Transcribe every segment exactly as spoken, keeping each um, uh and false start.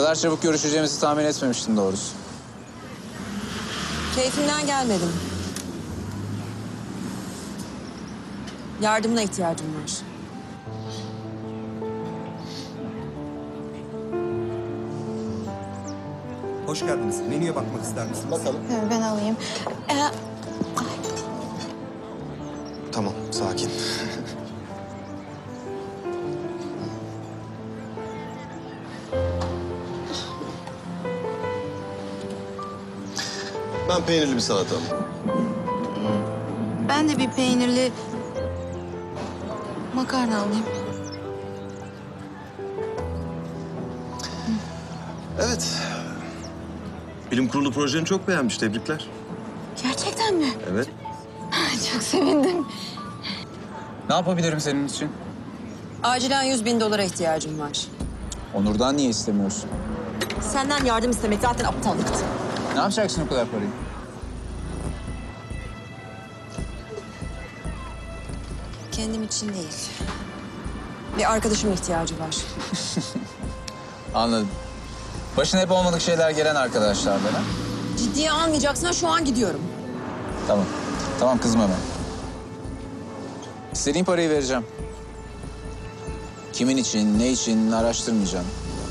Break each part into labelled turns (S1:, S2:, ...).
S1: kadar çabuk görüşeceğimizi tahmin etmemiştim doğrusu.
S2: Keyfimden gelmedim. Yardımına ihtiyacım var.
S3: Hoş geldiniz. Menüye bakmak ister misiniz? Bakalım.
S4: Ben alayım. Ee,
S3: Tamam, sakin.
S5: Ben peynirli bir salata.
S4: ben de bir peynirli makarna alayım.
S5: Evet. Bilim kurulu projeni çok beğenmiş. Tebrikler.
S4: Gerçekten mi?
S5: Evet.
S4: Çok sevindim.
S1: Ne yapabilirim senin için?
S2: Acilen yüz bin dolara ihtiyacım var.
S1: Onur'dan niye istemiyorsun?
S2: Senden yardım istemek zaten aptallıktı.
S1: Ne yapacaksın o kadar parayı?
S2: Kendim için değil. Bir arkadaşıma ihtiyacı var.
S1: Anladım. Başına hep olmadık şeyler gelen arkadaşlardan ha?
S2: Ciddiye almayacaksan şu an gidiyorum.
S1: Tamam. Tamam kızma hemen. İstediğin parayı vereceğim. Kimin için, ne için araştırmayacağım.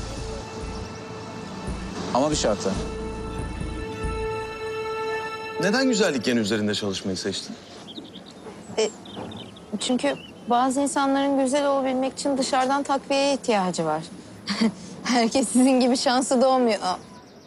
S1: Ama bir şartla.
S5: Neden güzellik yeni üzerinde çalışmayı seçtin?
S4: Çünkü bazı insanların güzel olabilmek için dışarıdan takviyeye ihtiyacı var. Herkes sizin gibi şanslı doğmuyor. Aa,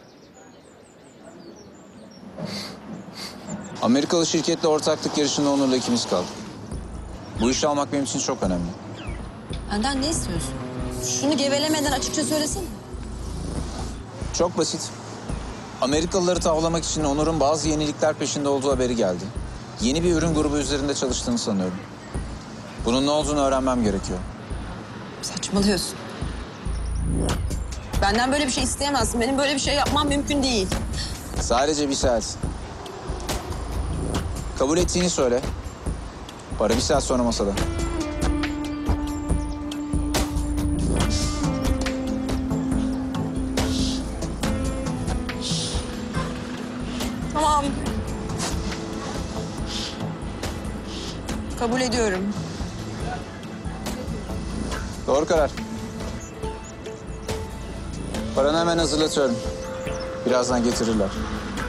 S1: Amerikalı şirketle ortaklık yarışında Onur'la ikimiz kaldık. Bu işi almak benim için çok önemli.
S2: Benden ne istiyorsun? Şunu gevelemeden açıkça söylesene.
S1: Çok basit. Amerikalıları tavlamak için Onur'un bazı yenilikler peşinde olduğu haberi geldi. Yeni bir ürün grubu üzerinde çalıştığını sanıyorum. Bunun ne olduğunu öğrenmem gerekiyor.
S2: Saçmalıyorsun. Benden böyle bir şey isteyemezsin. Benim böyle bir şey yapmam mümkün değil.
S1: Sadece bir saat. Kabul ettiğini söyle. Para bir saat sonra masada.
S2: Tamam. Kabul ediyorum.
S1: Doğru karar. Paranı hemen hazırlatıyorum. Birazdan getirirler.